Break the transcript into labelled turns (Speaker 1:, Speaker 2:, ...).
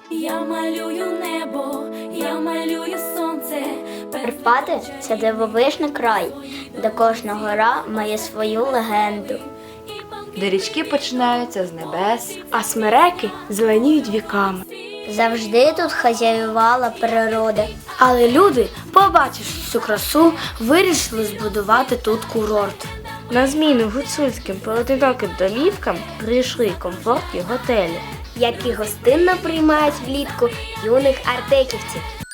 Speaker 1: Я малюю небо, я малюю сонце.
Speaker 2: Карпати – це дивовижний край, де кожна гора має свою легенду.
Speaker 3: Де річки починаються з небес, а смереки зеленіють віками.
Speaker 2: Завжди тут хазяювала природа.
Speaker 4: Але люди, побачивши цю красу, вирішили збудувати тут курорт.
Speaker 3: На зміну гуцульським поодиноким домівкам прийшли комфортні готелі,
Speaker 4: Які гостинно приймають влітку юних артеківців.